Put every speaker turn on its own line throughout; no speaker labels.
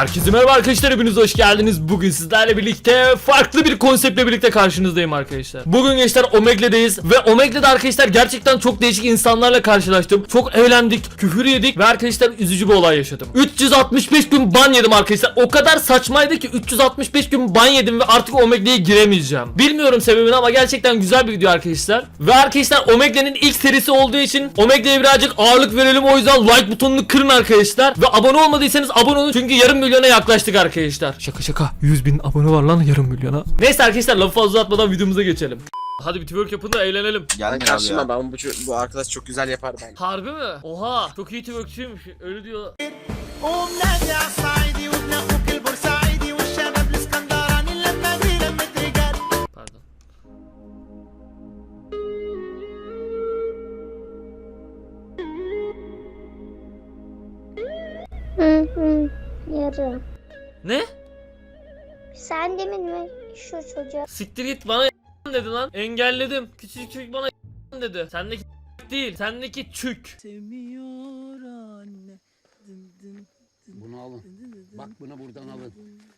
Herkese merhaba arkadaşlar, hepiniz hoş geldiniz. Bugün sizlerle birlikte farklı bir konseptle birlikte karşınızdayım arkadaşlar. Bugün gençler Omegle'deyiz ve Omegle'de arkadaşlar gerçekten çok değişik insanlarla karşılaştım. Çok eğlendik, küfür yedik ve arkadaşlar üzücü bir olay yaşadım. 365 gün ban yedim arkadaşlar. O kadar saçmaydı ki 365 gün ban yedim ve artık Omegle'ye giremeyeceğim. Bilmiyorum sebebini ama gerçekten güzel bir video arkadaşlar. Ve arkadaşlar Omegle'nin ilk serisi olduğu için Omegle'ye birazcık ağırlık verelim, o yüzden like butonunu kırın arkadaşlar. Ve abone olmadıysanız abone olun çünkü yarım milyona yaklaştık arkadaşlar. Şaka 100.000 abone var lan, yarım milyona. Neyse arkadaşlar, lafı fazla uzatmadan videomuza geçelim. Hadi bir twerk yapın da eğlenelim.
Ben karşıma ben bu arkadaş çok güzel yapar ben.
Harbi mi? Oha, çok iyi twerkçiymiş. Öyle diyor. Pardon.
Yarım.
Ne?
Sen demin mi şu çocuğa?
Siktir git, bana dedi lan. Engelledim. Küçücük çocuk bana dedi. Sendeki değil, sendeki çük.
Sevmiyor anne.
Bunu alın. Bak bunu buradan alın.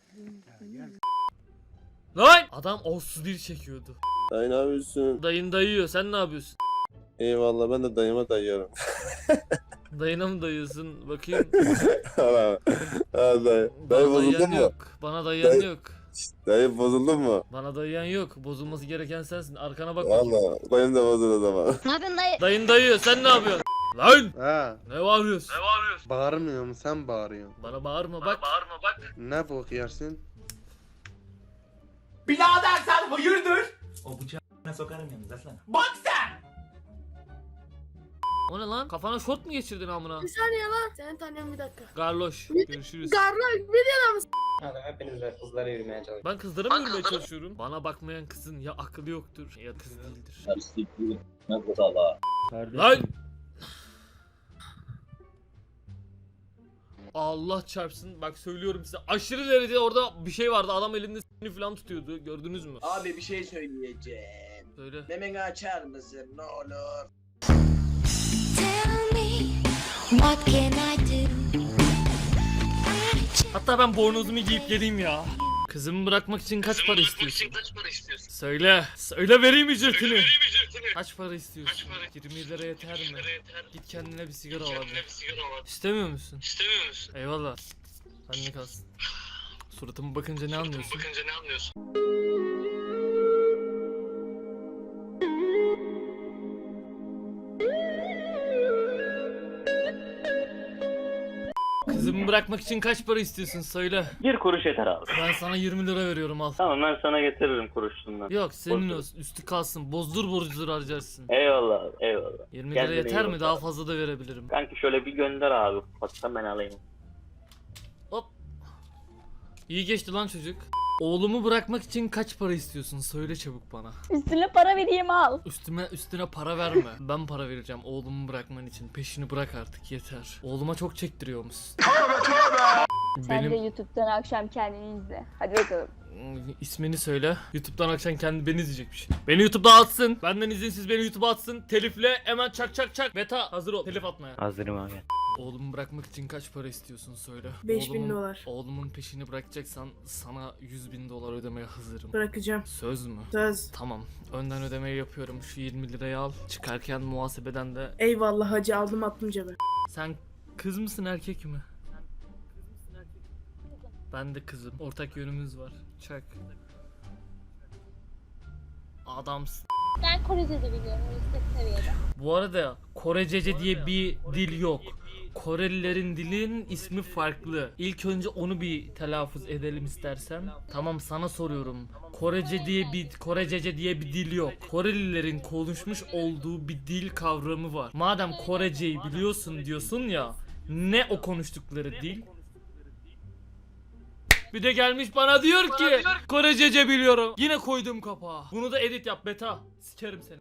Lan! Adam olsuz bir çekiyordu.
Dayı ne yapıyorsun?
Dayın dayıyor, sen ne yapıyorsun?
Eyvallah, ben de dayıma dayıyorum.
Dayına mı dayıyorsun? Bakayım.
Ha dayı. Dayı
Bana
bozuldun
dayayan
mu?
yok. Bana dayayan yok.
Dayı bozuldun mu?
Bana dayayan yok. Bozulması gereken sensin. Arkana bak bakayım.
Valla dayım da bozuldu o zaman.
Ne yapıyorsun dayı?
Dayın dayıyor, sen ne yapıyorsun? Lan!
Ha,
Ne bağırıyorsun?
bağırmıyorum, sen bağırıyorsun.
Bana bağırma bak.
Ne bok yersin?
Birader sen hayırdır? O bıçağı sokarım yalnız aslan. Bak sen!
O ne lan? Kafana şort mu geçirdin amına?
Bir saniye lan. Seni tanıyorum bir dakika.
Garloş. Görüşürüz.
Garloş ne diyorsun?
Hadi hepiniz de kızlara yürümeye çalışın.
Ben kızlara mı yürümeye çalışıyorum? Bana bakmayan kızın ya akıllı yoktur ya kız değildir. Lan! Allah çarpsın, bak söylüyorum size, aşırı derecede orada bir şey vardı, adam elinde s**ni falan tutuyordu, gördünüz mü?
Abi bir şey söyleyeceğim.
Söyle.
Memeni açar mısın ne olur?
Tell me what can I do?
Hatta ben bornozumu giyip geleyim ya. Kızımı bırakmak için kaç para istiyorsun? Söyle. Söyle vereyim ücretini. Kaç para istiyorsun? 20 lira yeter mi? Git kendine bir sigara al hadi. İstemiyor musun? Eyvallah. Sen ne kalsın? Suratıma bakınca ne anlıyorsun? Kızımı bırakmak için kaç para istiyorsun söyle.
1 kuruş yeter abi.
Ben sana 20 lira veriyorum, al.
Tamam ben sana getiririm kuruşundan.
Yok senin
Bozdur.
olsun, üstü kalsın, bozdur borcudur harcarsın.
Eyvallah abi eyvallah.
20 lira
Kendine
yeter
iyi
mi?
bak
Daha
abi.
fazla da verebilirim.
Kanki şöyle bir gönder abi. Ufaktan ben alayım.
Hop. İyi geçti lan çocuk. Oğlumu bırakmak için kaç para istiyorsun? Söyle çabuk bana.
Üstüne para vereyim al.
Üstüne para verme. Ben para vereceğim oğlumu bırakman için. Peşini bırak artık, yeter. Oğluma çok çektiriyormuşsun.
Sen de YouTube'dan akşam kendini izle. Hadi bakalım.
İsmini söyle. YouTube'dan akşam kendi beni izleyecekmiş. Beni YouTube'da atsın. Benden izinsiz beni YouTube'a atsın. Telifle hemen çak. Beta hazır ol. Telif atmaya.
Hazırım abi.
Oğlumu bırakmak için kaç para istiyorsun söyle.
5.000 dolar.
Oğlumun peşini bırakacaksan sana 100.000 dolar ödemeye hazırım.
Bırakacağım.
Söz mü?
Söz.
Tamam. Önden ödemeyi yapıyorum. Şu 20 lirayı al. Çıkarken muhasebeden de.
Eyvallah hacı, aldım attım cebe.
Sen kız mısın erkek mi? Ben de kızım. Ortak yönümüz var. Çak. Adamsın.
Ben Korece de biliyorum yüksek seviyede.
Bu arada Korecece diye bir dil yok. Korelilerin dilinin ismi farklı. İlk önce onu bir telaffuz edelim istersen. Tamam, sana soruyorum. Korecece diye bir dil yok. Korelilerin konuşmuş olduğu bir dil kavramı var. Madem Koreceyi biliyorsun diyorsun ya, ne o konuştukları dil? Bir de gelmiş bana diyor ki Korecece biliyorum. Yine koydum kapağı. Bunu da edit yap beta. Sikerim seni.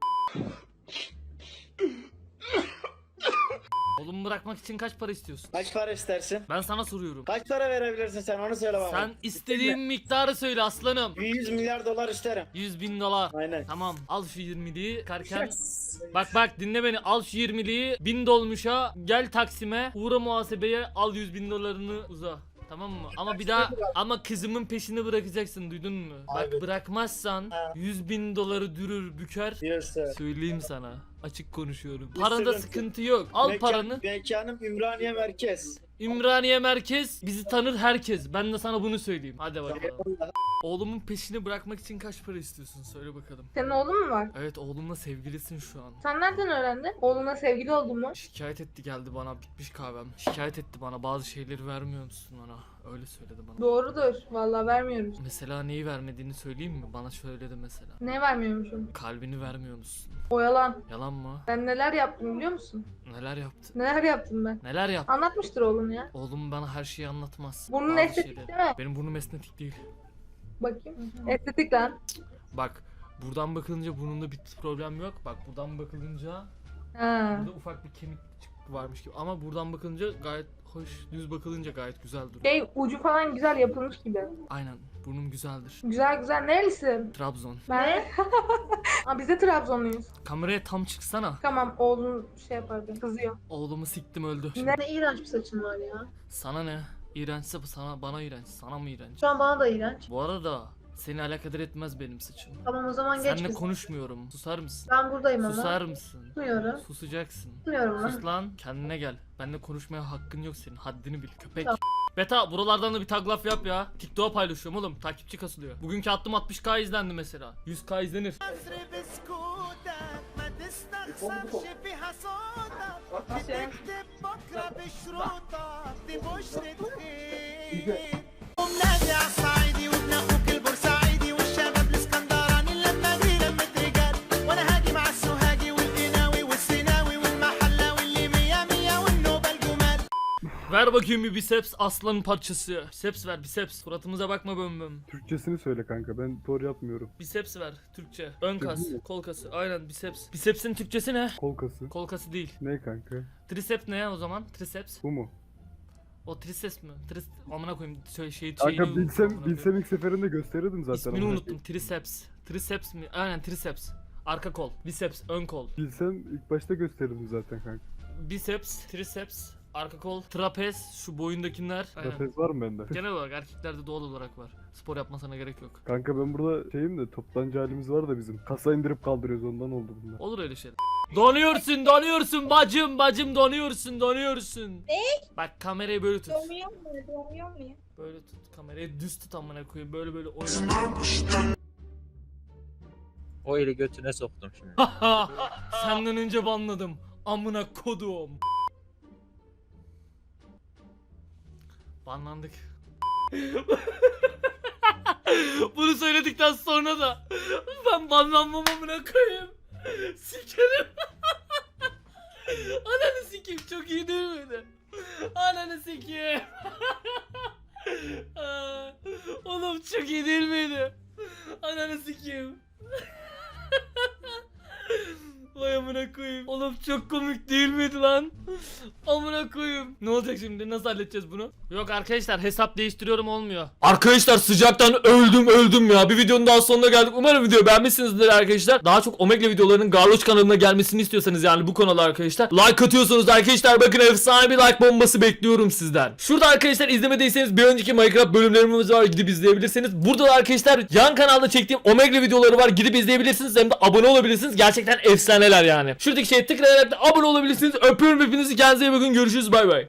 Oğlumu bırakmak için kaç para istiyorsun?
Kaç para istersin?
Ben sana soruyorum.
Kaç para verebilirsin sen onu söyle bana.
Sen istediğin miktarı söyle aslanım.
100 milyar dolar isterim.
100.000 dolar.
Aynen.
Tamam, al şu 20'liği karken. Bak dinle beni, al şu 20'liği 1000 dolmuşa gel Taksim'e uğra muhasebeye, al 100.000 dolarını uza. Tamam mı? Ama bir daha ama kızımın peşini bırakacaksın, duydun mu? Bak bırakmazsan 100.000 doları dürür büker. Söyleyeyim sana. Açık konuşuyorum. Parada sıkıntı yok. Al paranı.
Mekanım Ümraniye Merkez.
İmraniye Merkez bizi tanır herkes. Ben de sana bunu söyleyeyim. Hadi bakalım. Oğlumun peşini bırakmak için kaç para istiyorsun? Söyle bakalım.
Senin oğlun mu var?
Evet, oğlumla sevgilisin şu an.
Sen nereden öğrendin? Oğluna sevgili oldun mu?
Şikayet etti, geldi bana, bitmiş kahvem. Şikayet etti bana, bazı şeyleri vermiyor musun ona? Öyle söyledi bana.
Doğrudur. Vallahi vermiyoruz.
Mesela neyi vermediğini söyleyeyim mi? Bana söyledi mesela.
Ne vermiyormuşum?
Kalbini vermiyor musun?
O yalan.
Yalan mı?
Ben neler yaptım biliyor musun?
Neler yaptı?
Neler yaptım ben?
Neler yaptı?
Anlatmıştır oğlun ya.
Oğlum bana her şeyi anlatmaz.
Burnun
Bazı
estetik
şeyleri.
değil mi?
Benim burnum estetik değil.
Bakayım. Estetik lan.
Bak, buradan bakılınca burnumda bir problem yok. Bak, buradan bakılınca
Ha.
burada ufak bir kemik varmış gibi. Ama buradan bakılınca gayet hoş, düz bakılınca gayet güzel duruyor.
Şey ucu falan güzel yapılmış gibi.
Aynen, burnum güzeldir.
Güzel güzel. Nerelisin?
Trabzon.
Ben. Aa, biz de Trabzonluyuz.
Kameraya tam çıksana.
Tamam oğlun şey yapar beni. Kızıyor.
Oğlumu siktim, öldü.
Ne iğrenç bir saçın var ya.
Sana ne? İğrençse bu sana, bana iğrenç. Sana mı iğrenç?
Şu an bana da iğrenç.
Bu arada seni alakadar etmez benim saçım.
Tamam o zaman geç
Seninle
kız.
konuşmuyorum. Susar mısın?
Ben buradayım ama.
Susar mısın?
Susmuyorum.
Susacaksın.
Susmuyorum lan.
Sus lan, kendine gel. Benimle konuşmaya hakkın yok senin. Haddini bil köpek.
Tamam.
Beta, buralardan da bir tag laf yap ya. TikTok'a paylaşıyorum oğlum. Takipçi kasılıyor. Bugünkü attım 60k izlendi mesela. 100k izlenir. Ver bakayım bir biceps aslanın parçası. Biceps ver, biceps. Suratımıza bakma böm böm.
Türkçesini söyle kanka, ben doğru yapmıyorum.
Biceps ver Türkçe. Ön kas,
Türkçe mi?
kol kası. Aynen biceps. Bicepsin Türkçesi ne?
Kol kası.
Kol kası değil.
Ne kanka?
Triceps ne o zaman? Triceps.
Bu mu?
O triceps mi? Amına koyayım şeyini
Kanka
unuttum, amına
bilsem
koyayım.
ilk seferinde gösterirdim zaten.
İsmini
amına
unuttum. Triceps. Triceps mi? Aynen triceps. Arka kol. Biceps, ön kol.
Bilsem ilk başta gösterirdim zaten kanka.
Biceps, triceps, arka kol, trapez, şu boyundakiler. Aynen.
Trapez var mı bende?
Genel olarak erkeklerde doğal olarak var. Spor yapmasına gerek yok.
Kanka ben burada şeyim de toptancı halimiz var da bizim. Kasa indirip kaldırıyoruz, ondan oldu bunlar.
Olur öyle şeyler. Donuyorsun, donuyorsun bacım, bacım donuyorsun, donuyorsun. Ne? Bak kamerayı böyle tut.
Donuyor muyum?
Böyle tut kamerayı, düz tut amına koyayım. Böyle oyna.
O eli götüne soktum şimdi.
Senden önce banladım. Amına kodum. Banlandık. Bunu söyledikten sonra da ben banlanmam amına koyayım. Sikerim. Ananı sikeyim, çok iyi değil miydi? Ananı sikeyim. Oğlum çok iyi değil miydi? Ananı sikeyim. Vay amına koyayım. Oğlum çok komik değil miydi lan? Amına koyayım. Ne olacak şimdi? Nasıl halledeceğiz bunu? Yok arkadaşlar, hesap değiştiriyorum, olmuyor. Arkadaşlar sıcaktan öldüm ya. Bir videonun daha sonuna geldik. Umarım videoyu beğenmişsinizdir arkadaşlar. Daha çok Omegle videolarının Garloş kanalına gelmesini istiyorsanız, yani bu kanala arkadaşlar, like atıyorsunuz arkadaşlar. Bakın efsane bir like bombası bekliyorum sizden. Şurada arkadaşlar izlemediyseniz bir önceki Minecraft bölümlerimiz var, gidip izleyebilirsiniz. Burada da arkadaşlar yan kanalda çektiğim Omegle videoları var, gidip izleyebilirsiniz. Hem de abone olabilirsiniz. Gerçekten efsaneler yani. Şuradaki şeye tıklayarak da abone olabilirsiniz. Öpüyorum hepinizi, kendinize iyi bakın, görüşürüz, bay bay.